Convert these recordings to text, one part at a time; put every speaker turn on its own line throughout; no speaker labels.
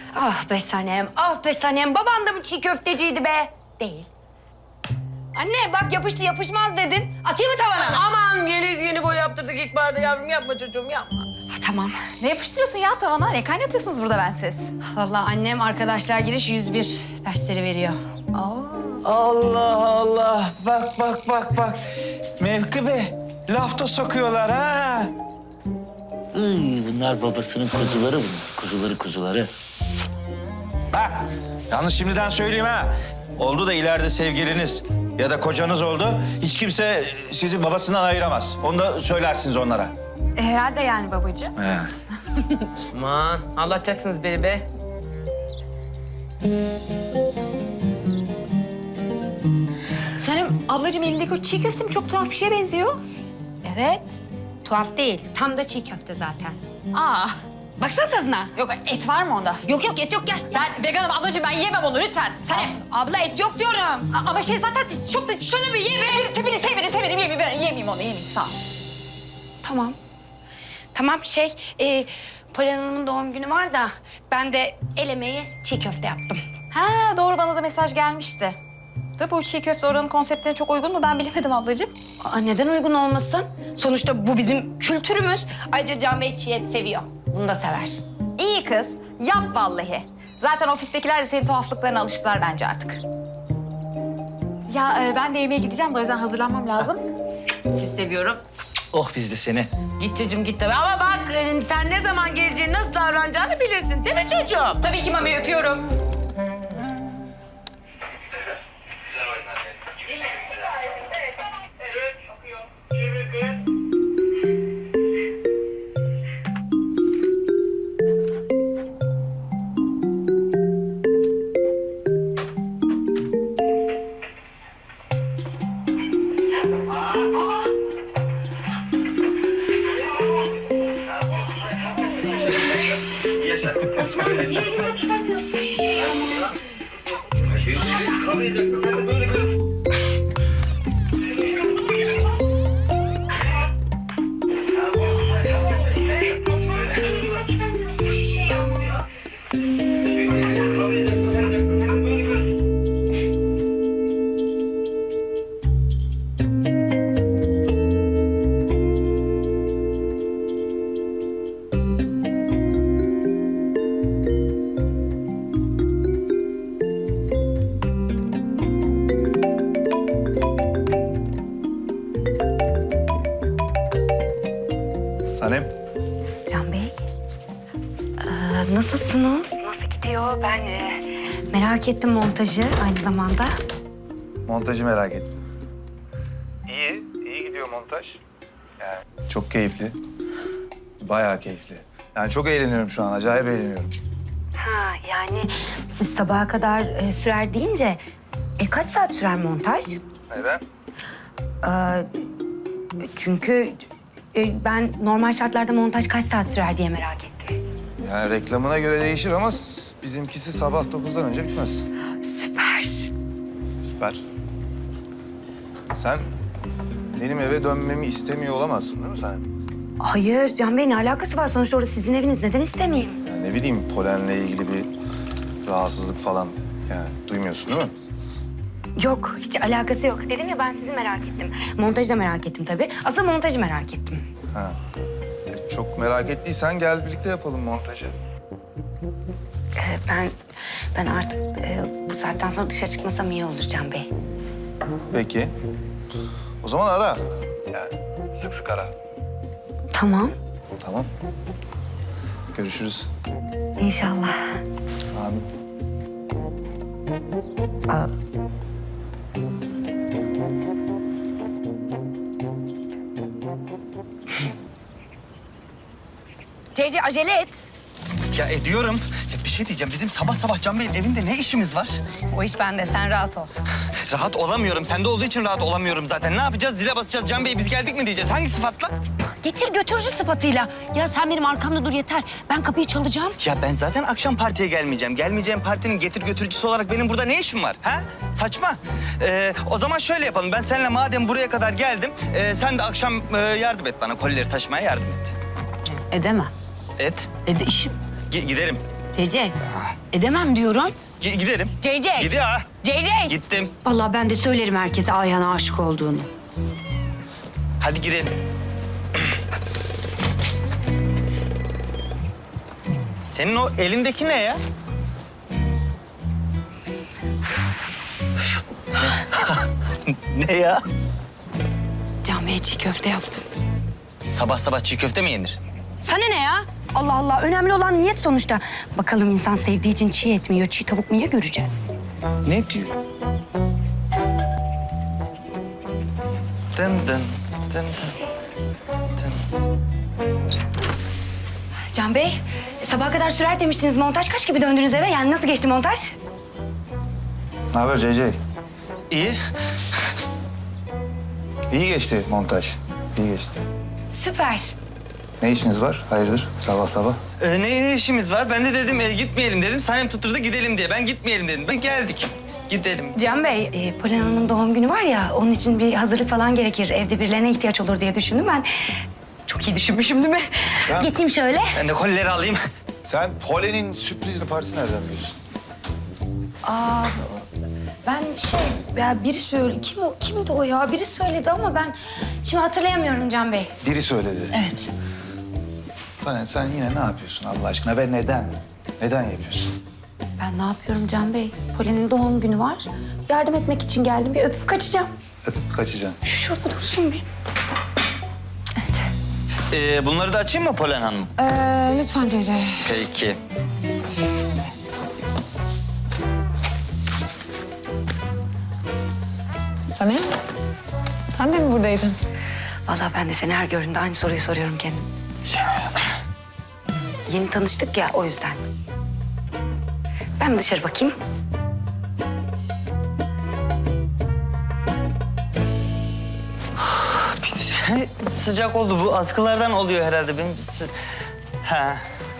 Ah be Sanem, ah be Sanem. Baban da mı çiğ köfteciydi be? Değil. Anne bak yapıştı yapışmaz dedin. Atayım mı tavana?
Aman yeni boy yaptırdık ilk barda yavrum. Yapma çocuğum yapma.
Tamam.
Ne yapıştırıyorsun ya tavana? Ne kaynatıyorsunuz burada bensiz?
Vallahi annem arkadaşlar giriş 101 dersleri veriyor.
Allah Allah. Bak. Mevki Bey, laf da sokuyorlar ha.
Bunlar babasının kuzuları kuzuları.
Bak, yalnız şimdiden söyleyeyim ha. Oldu da ileride sevgiliniz ya da kocanız oldu. Hiç kimse sizi babasından ayıramaz. Onu da söylersiniz onlara.
Herhalde yani babacığım.
He.
Aman anlatacaksınız beni be.
Sanem ablacığım elindeki o çiğ köftem çok tuhaf bir şeye benziyor.
Evet. Tuhaf değil. Tam da çiğ köfte zaten.
Aa.
Baksana tadına.
Yok et var mı onda?
Yok et yok gel.
Ben veganım ablacığım ben yiyemem onu lütfen. Sanem.
Abla et yok diyorum.
Ama şey zaten çok da... Şöyle bir ye be. Tipini sevmedim. Yemeyeyim onu sağ ol.
Tamam. Tamam Polen Hanım'ın doğum günü var da ben de el emeği çiğ köfte yaptım.
Ha doğru bana da mesaj gelmişti. Da bu çiğ köfte oranın konseptine çok uygun mu ben bilemedim ablacığım.
Aa, neden uygun olmasın? Sonuçta bu bizim kültürümüz. Ayrıca Can Bey çiğ et seviyor. Bunu da sever.
İyi kız yap vallahi. Zaten ofistekiler de senin tuhaflıklarına alıştılar bence artık. Ya ben de yemeğe gideceğim de o yüzden hazırlanmam lazım.
Sizi seviyorum.
Oh biz de seni.
Git çocuğum git tabii. Ama bak sen ne zaman geleceğini, nasıl davranacağını bilirsin değil mi çocuğum?
Tabii ki Mami öpüyorum.
Sanem.
Can Bey. Nasılsınız? Nasıl gidiyor? Ben merak ettim montajı aynı zamanda.
Montajı merak ettim. İyi gidiyor montaj. Yani çok keyifli. Bayağı keyifli. Yani çok eğleniyorum şu an, acayip eğleniyorum.
Ha yani siz sabaha kadar sürer deyince kaç saat sürer montaj?
Neden?
Çünkü ben normal şartlarda montaj kaç saat sürer diye merak ettim.
Yani reklamına göre değişir ama bizimkisi sabah 9'dan önce bitmez.
Süper.
Süper. Sen benim eve dönmemi istemiyor olamazsın değil mi sen?
Hayır Can Bey ne alakası var? Sonuçta orası sizin eviniz. Neden istemeyeyim?
Yani ne bileyim polenle ilgili bir rahatsızlık falan yani duymuyorsun değil mi?
Yok hiç alakası yok. Dedim ya ben sizi merak ettim. Montajı da merak ettim tabii. Aslında montajı merak ettim.
Ha. Çok merak ettiysen gel birlikte yapalım montajı.
Ben artık bu saatten sonra dışarı çıkmasam iyi olur Can Bey.
Peki. O zaman ara. Yani sık sık ara.
Tamam.
Tamam. Görüşürüz.
İnşallah.
Amin.
Cece acele et.
Ya ediyorum. Ya bir şey diyeceğim. Bizim sabah sabah Can Bey'in evinde ne işimiz var?
O iş bende. Sen rahat ol.
Rahat olamıyorum. Sende olduğu için rahat olamıyorum zaten. Ne yapacağız? Zile basacağız. Can Bey biz geldik mi diyeceğiz. Hangi sıfatla?
Getir götürücü sıfatıyla. Ya sen benim arkamda dur yeter. Ben kapıyı çalacağım.
Ya ben zaten akşam partiye gelmeyeceğim. Gelmeyeceğim partinin getir götürücüsü olarak benim burada ne işim var? Ha? Saçma. O zaman şöyle yapalım. Ben seninle madem buraya kadar geldim... sen de akşam yardım et bana. Kolileri taşımaya yardım et.
Edemem.
Et.
İşim.
Giderim.
CC. Edemem diyorum.
Giderim.
CC.
Gidiyor ha.
CC.
Gittim.
Vallahi ben de söylerim herkese Ayhan'a aşık olduğunu.
Hadi girelim. Senin o elindeki ne ya? Ne ya?
Can Bey'e çiğ köfte yaptım.
Sabah sabah çiğ köfte mi yenir?
Sana ne ya? Allah Allah. Önemli olan niyet sonuçta. Bakalım insan sevdiği için çiğ et mi yiyor, çiğ tavuk mu yiyor göreceğiz.
Ne diyor? Dın dın dın dın.
Can Bey, sabaha kadar sürer demiştiniz. Montaj kaç gibi döndünüz eve? Yani nasıl geçti montaj?
Ne haber CC?
İyi.
İyi geçti montaj. İyi geçti.
Süper.
Ne işiniz var? Hayırdır sabah sabah?
Ne işimiz var? Ben de dedim gitmeyelim dedim. Sanem tutturdu gidelim diye. Ben gitmeyelim dedim. Ben geldik. Gidelim.
Can Bey, Polen Hanım'ın doğum günü var ya, onun için bir hazırlık falan gerekir. Evde birilerine ihtiyaç olur diye düşündüm ben. Çok iyi düşünmüşüm değil mi?
Ya.
Geçeyim şöyle.
Ben de kolileri alayım.
Sen Polen'in sürpriz partisi nereden biliyorsun?
Ben ya biri söyledi. Kimdi o ya? Biri söyledi ama ben şimdi hatırlayamıyorum Can Bey.
Biri söyledi.
Evet.
Sen yine ne yapıyorsun Allah aşkına ve neden? Neden yapıyorsun?
Ben ne yapıyorum Can Bey? Polen'in doğum günü var. Yardım etmek için geldim. Bir öpüp kaçacağım.
Öpüp kaçacaksın.
Şurada dursun bir. Evet.
Bunları da açayım mı Polen Hanım?
Lütfen Cece.
Peki.
Sanem, sen de mi buradaydın?
Vallahi ben de seni her gördüğümde aynı soruyu soruyorum kendim. Yeni tanıştık ya o yüzden. Ben bir dışarı bakayım.
Sıcak oldu bu. Askılardan oluyor herhalde. Benim... Ha.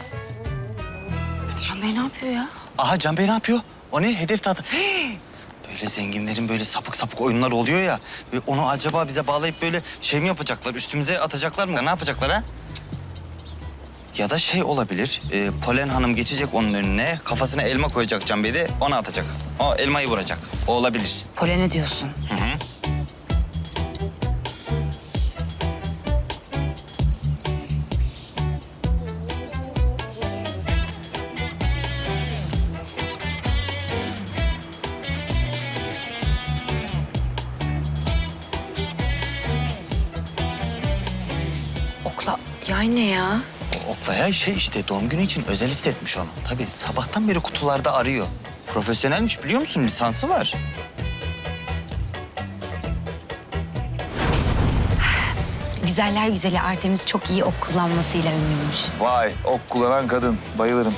Can Bey ne yapıyor ya?
Aha Can Bey ne yapıyor? O ne? Hedef tahta. Böyle zenginlerin böyle sapık sapık oyunlar oluyor ya. Ve onu acaba bize bağlayıp böyle şey mi yapacaklar? Üstümüze atacaklar mı? Ne yapacaklar ha? Ya da şey olabilir. Polen Hanım geçecek onun önüne. Kafasına elma koyacak Can Bey de ona atacak. O elmayı vuracak. O olabilir.
Polen'e diyorsun.
Hı hı.
Okla yay ne ya?
O Oklaya şey işte doğum günü için özel istetmiş onu. Tabii sabahtan beri kutularda arıyor. Profesyonelmiş biliyor musun? Lisansı var.
Güzeller güzeli Artemis çok iyi ok kullanmasıyla ünlüymüş.
Vay ok kullanan kadın. Bayılırım.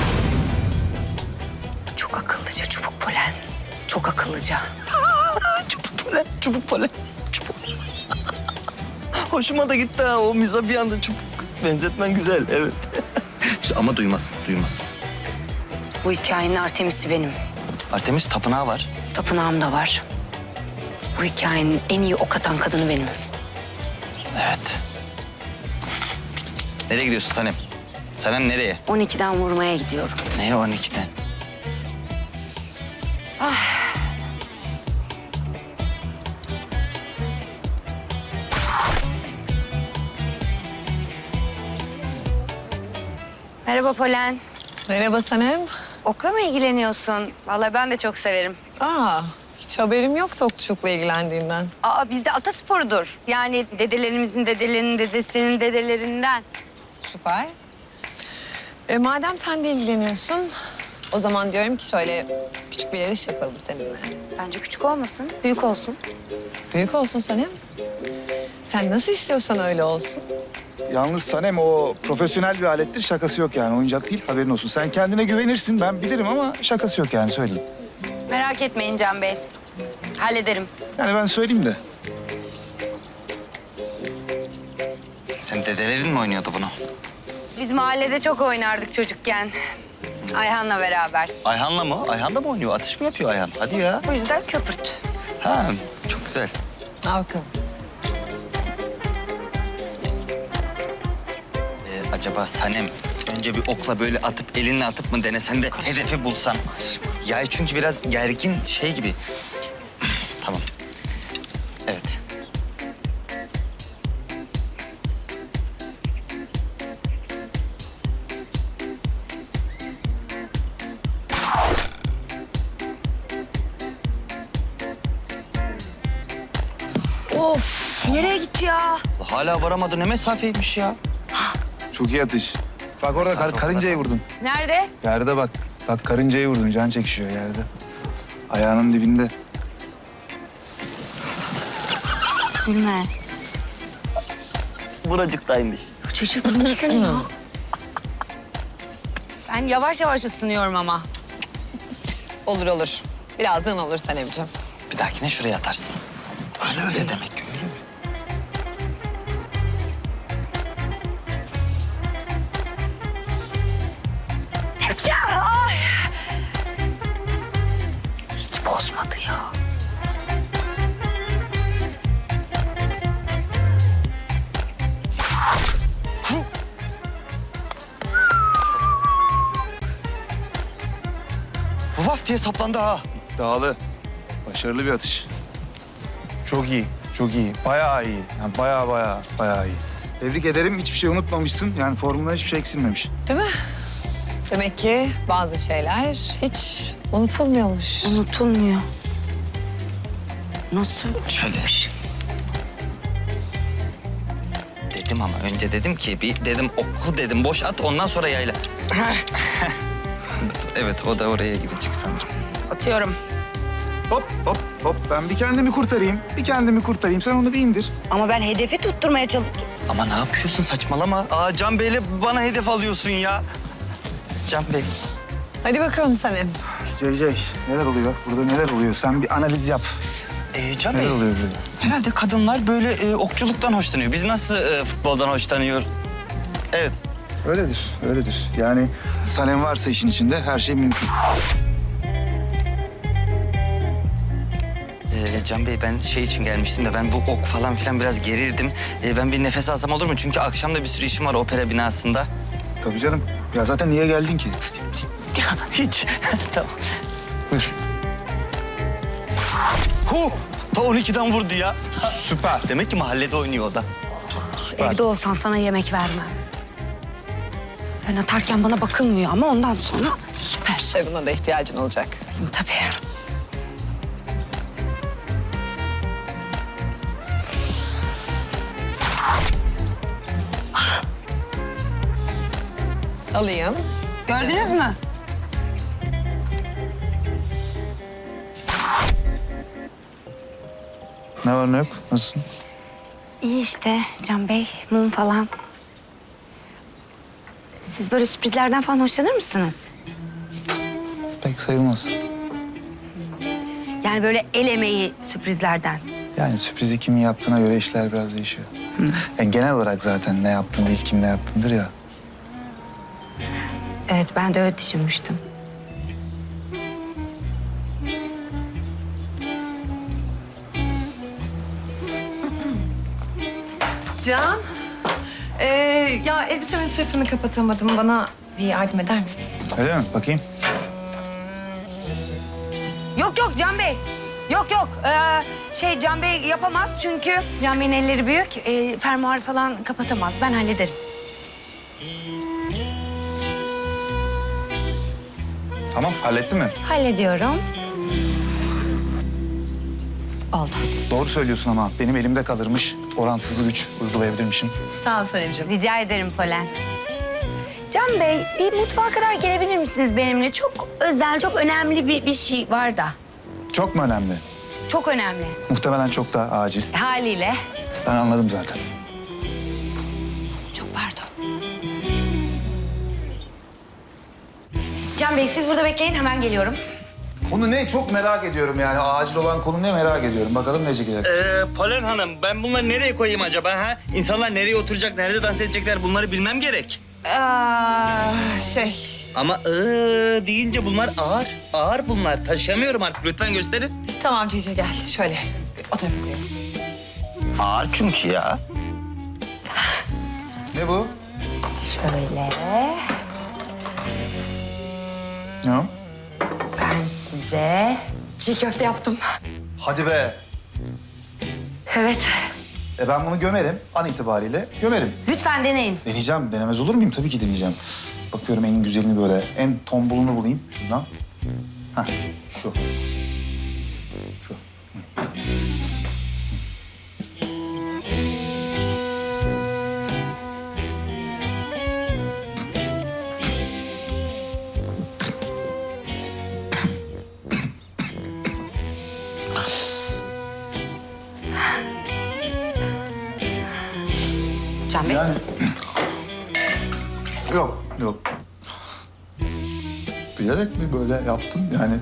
Çok akıllıca çubuk Polen. Çok akıllıca.
Çubuk Polen, çubuk Polen. Çubuk. Hoşuma da gitti ha o miza bir anda çubuk. Benzetmen güzel evet. Ama duymasın, duymasın.
Bu hikayenin Artemis'i benim.
Artemis tapınağı var.
Tapınağım da var. Bu hikayenin en iyi ok atan kadını benim.
Evet. Nereye gidiyorsun Sanem? Sanem nereye?
12'den vurmaya gidiyorum.
Neye 12'den?
Merhaba Polen.
Merhaba Sanem.
Okla mı ilgileniyorsun? Vallahi ben de çok severim.
Hiç haberim yoktu okçulukla ilgilendiğinden.
Bizde atasporudur. Yani dedelerimizin dedelerinin dedesinin dedelerinden.
Süper. Madem sen de ilgileniyorsun, o zaman diyorum ki şöyle küçük bir yarış yapalım seninle.
Bence küçük olmasın, büyük olsun.
Büyük olsun Sanem. Sen nasıl istiyorsan öyle olsun.
Yalnız Sanem o profesyonel bir alettir, şakası yok yani. Oyuncak değil, haberin olsun. Sen kendine güvenirsin, ben bilirim ama şakası yok yani, söyleyeyim.
Merak etmeyin Can Bey. Hallederim.
Yani ben söyleyeyim de.
Sen dedelerin mi oynuyordu bunu?
Biz mahallede çok oynardık çocukken. Ayhan'la beraber.
Ayhan'la mı? Ayhan da mı oynuyor? Atış mı yapıyor Ayhan? Hadi ya.
O yüzden köpürt.
Ha, çok güzel.
Al bakalım.
Acaba Sanem önce bir okla böyle atıp elinle atıp mı denesen de hedefi bulsan. Ya çünkü biraz gergin şey gibi. Tamam. Evet.
Of nereye gitti ya?
Hala varamadı, ne mesafeymiş ya.
Çok iyi atış. Bak orada karıncayı vurdun.
Nerede?
Yerde bak. Bak karıncayı vurdun. Can çekişiyor yerde. Ayağının dibinde.
Bilme.
Buracıktaymış.
Çocuk ne seni ya? Sen yavaş yavaş ısınıyorum ama.
Olur olur. Birazdan olur Sanemciğim.
Bir dahakine şuraya atarsın. Öyle demek ki öyle.
Ay. Hiç bozmadı ya.
Vaf diye saplandı ha.
Dağlı. Başarılı bir atış. Çok iyi. Çok iyi. Bayağı iyi. Yani bayağı iyi. Tebrik ederim. Hiçbir şey unutmamışsın. Yani formuna hiçbir şey eksilmemiş.
Değil mi? Demek ki bazı şeyler hiç unutulmuyormuş.
Unutulmuyor. Nasıl?
Şöyle. Dedim ama önce dedim ki bir dedim oku dedim boş at ondan sonra yayla. Evet o da oraya gidecek sanırım.
Atıyorum.
Hop hop hop. Ben bir kendimi kurtarayım. Sen onu bir indir.
Ama ben hedefi tutturmaya çalışıyorum.
Ama ne yapıyorsun saçmalama. Aa Can Bey'le bana hedef alıyorsun ya. Can Bey.
Hadi bakalım Sanem.
CC neler oluyor? Burada neler oluyor? Sen bir analiz yap.
Can Bey.
Neler oluyor burada?
Herhalde kadınlar böyle okçuluktan hoşlanıyor. Biz nasıl futboldan hoşlanıyoruz? Evet.
Öyledir. Yani Sanem varsa işin içinde her şey mümkün.
Can Bey ben şey için gelmiştim de ben bu ok falan filan biraz gerildim. Ben bir nefes alsam olur mu? Çünkü akşam da bir sürü işim var opera binasında.
Tabii canım. Ya zaten niye geldin ki?
Hiç. Tamam. Buyur. Ta 12'den vurdu ya.
Süper.
Demek ki mahallede oynuyor o da.
Evde olsan sana yemek vermem. Ben atarken bana bakılmıyor ama ondan sonra süper.
Buna da ihtiyacın olacak.
Tabii.
Alayım.
Gördünüz mü?
Ne var ne yok? Nasılsın?
İyi işte Can Bey, mum falan. Siz böyle sürprizlerden falan hoşlanır mısınız?
Pek sayılmaz.
Yani böyle el emeği sürprizlerden.
Yani sürprizi kimin yaptığına göre işler biraz değişiyor. Yani genel olarak zaten ne yaptın değil, kim ne yaptındır ya.
Evet, ben de öyle düşünmüştüm.
Can. Ya elbisemin sırtını kapatamadım. Bana bir yardım eder misin?
Öyle mi? Bakayım.
Yok Can Bey. Yok. Can Bey yapamaz çünkü Can Bey'in elleri büyük. Fermuarı falan kapatamaz. Ben hallederim.
Tamam, halletti mi?
Hallediyorum. Oldu.
Doğru söylüyorsun ama benim elimde kalırmış. Orantısız güç uygulayabilirmişim.
Sağ ol Sanemciğim.
Rica ederim Polen. Can Bey, bir mutfağa kadar gelebilir misiniz benimle? Çok özel, çok önemli bir şey var da.
Çok mu önemli?
Çok önemli.
Muhtemelen çok da acil.
Haliyle.
Ben anladım zaten.
Çok pardon. Can Bey, siz burada bekleyin. Hemen geliyorum.
Konu ne? Çok merak ediyorum yani. Acil olan konu ne merak ediyorum. Bakalım ne çıkacak.
Polen Hanım ben bunları nereye koyayım acaba ha? İnsanlar nereye oturacak, nerede dans edecekler bunları bilmem gerek. Ama deyince bunlar ağır. Ağır bunlar. Taşıyamıyorum artık. Lütfen gösterin.
Tamam Cici gel. Şöyle o tarafa koyalım.
Ağır çünkü ya.
Ne bu?
Şöyle.
Ya.
Ben size çiğ köfte yaptım.
Hadi be.
Evet.
Ben bunu gömerim. An itibariyle gömerim.
Lütfen deneyin.
Deneyeceğim. Denemez olur muyum? Tabii ki deneyeceğim. Bakıyorum en güzelini böyle. En tombulunu bulayım şundan. Heh, şu. Şu.
Can Bey.
Yani... Yok, yok. Bilerek mi böyle yaptın? Yani...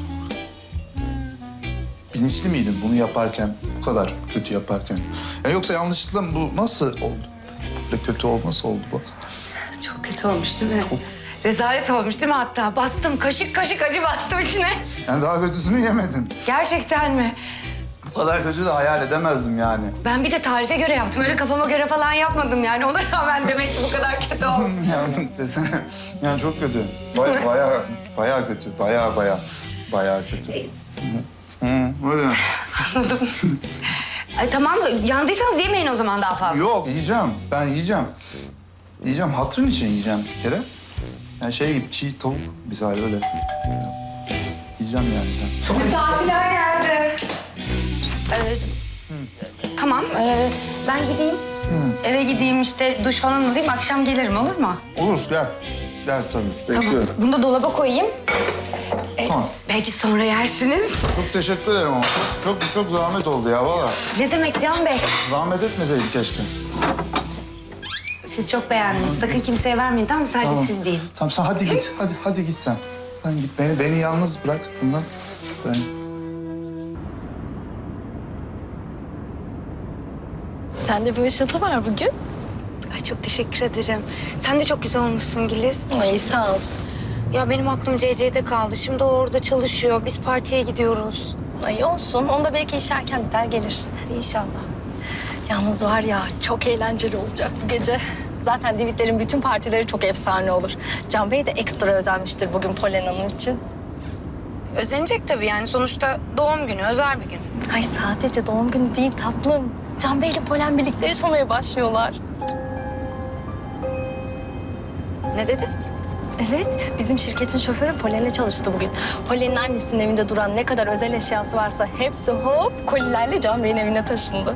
Bilinçli miydin bunu yaparken, bu kadar kötü yaparken? Yani yoksa yanlışlıkla mı bu nasıl oldu? Böyle kötü olması oldu bu.
Çok kötü olmuş değil mi? Rezalet olmuş değil mi hatta? Bastım, kaşık kaşık acı bastım içine.
Yani daha kötüsünü yemedin.
Gerçekten mi?
Bu kadar kötü de hayal edemezdim yani.
Ben bir de tarife göre yaptım. Öyle kafama göre falan yapmadım yani. Ona rağmen demek ki bu kadar kötü olmuş.
Yani desene, yani çok kötü. Bayağı kötü. Bayağı kötü. Öyle.
Anladım. Tamam, yandıysanız yemeyin o zaman daha fazla.
Yok, yiyeceğim. Ben yiyeceğim. Yiyeceğim, hatırın için yiyeceğim bir kere. Yani şey gibi çiğ tavuk misali öyle. Yiyeceğim yani sen.
Misafirler geldi. Tamam, ben gideyim. Eve gideyim işte duş falan alayım. Akşam gelirim olur mu?
Olur, gel. Gel tabii, bekliyorum.
Tamam, bunu da dolaba koyayım.
Tamam.
Belki sonra yersiniz.
Çok teşekkür ederim ama çok zahmet oldu ya valla.
Ne demek Can Bey?
Zahmet etmeseydin keşke.
Siz çok beğendiniz. Sakın kimseye vermeyin tamam mı? Sadece siz değil.
Tamam sen hadi git. Hadi git sen. Sen git beni yalnız bırak bundan. Ben...
Sende bir ışıltı var bugün.
Ay çok teşekkür ederim. Sen de çok güzel olmuşsun Güliz.
Ay sağ ol.
Ya benim aklım CC'de kaldı. Şimdi o orada çalışıyor. Biz partiye gidiyoruz.
Ay olsun. Onda belki iş erken biter gelir.
Hadi inşallah.
Yalnız var ya çok eğlenceli olacak bu gece. Zaten Divitlerin bütün partileri çok efsane olur. Can Bey de ekstra özenmiştir bugün Polen Hanım için.
Özenecek tabii yani. Sonuçta doğum günü, özel bir gün.
Ay sadece doğum günü değil tatlım. Can Bey ile Polen birlikte yaşamaya başlıyorlar.
Ne dedin?
Evet, bizim şirketin şoförü Polen'le çalıştı bugün. Polen'in annesinin evinde duran ne kadar özel eşyası varsa hepsi hop kolilerle Can Bey'in evine taşındı.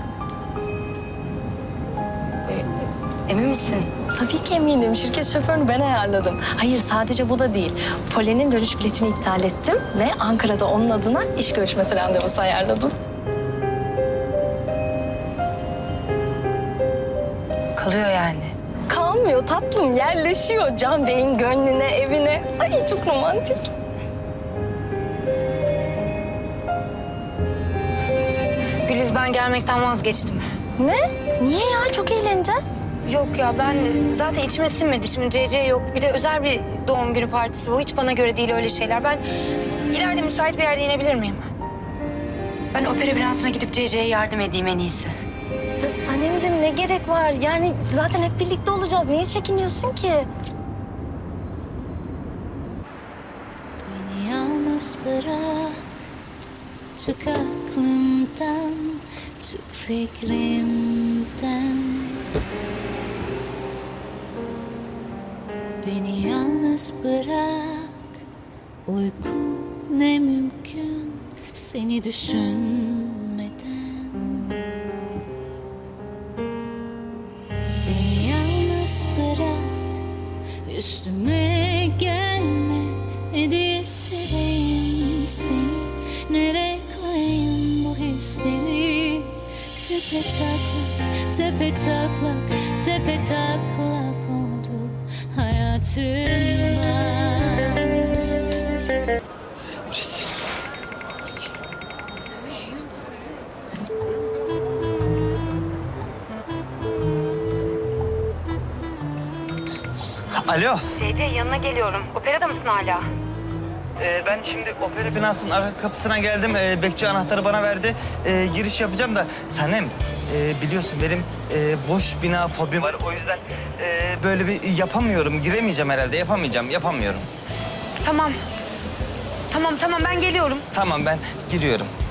Emin misin?
Tabii ki eminim. Şirket şoförünü ben ayarladım. Hayır sadece bu da değil. Polen'in dönüş biletini iptal ettim ve Ankara'da onun adına iş görüşmesi randevusu ayarladım.
Kalıyor yani.
Kalmıyor tatlım, yerleşiyor Can Bey'in gönlüne, evine. Ay çok romantik.
Güliz ben gelmekten vazgeçtim.
Ne? Niye ya? Çok eğleneceğiz.
Yok ya ben zaten içime sinmedi. Şimdi CC yok. Bir de özel bir doğum günü partisi bu. Hiç bana göre değil öyle şeyler. Ben ileride müsait bir yerde inebilir miyim? Ben opera binansına gidip CC'ye yardım edeyim en iyisi.
Ya Sanemciğim ne gerek var? Yani zaten hep birlikte olacağız. Niye çekiniyorsun ki?
Beni yalnız bırak, çık aklımdan, çık fikrimden. Beni yalnız bırak, uyku ne mümkün seni düşünmeden. Beni yalnız bırak, üstüme gelme, ne diye seveyim seni, nereye koyayım bu hisleri? Tepe taklak, tepe taklak, tepe taklak oldu hayatımda.
Alo.
CC yanına geliyorum. Operada mısın hala?
Ben şimdi opera binasının arka kapısına geldim. Bekçi anahtarı bana verdi. Giriş yapacağım da Sanem biliyorsun benim boş bina fobim var. O yüzden böyle bir yapamıyorum. Giremeyeceğim herhalde. Yapamıyorum.
Tamam. Tamam ben geliyorum.
Tamam ben giriyorum.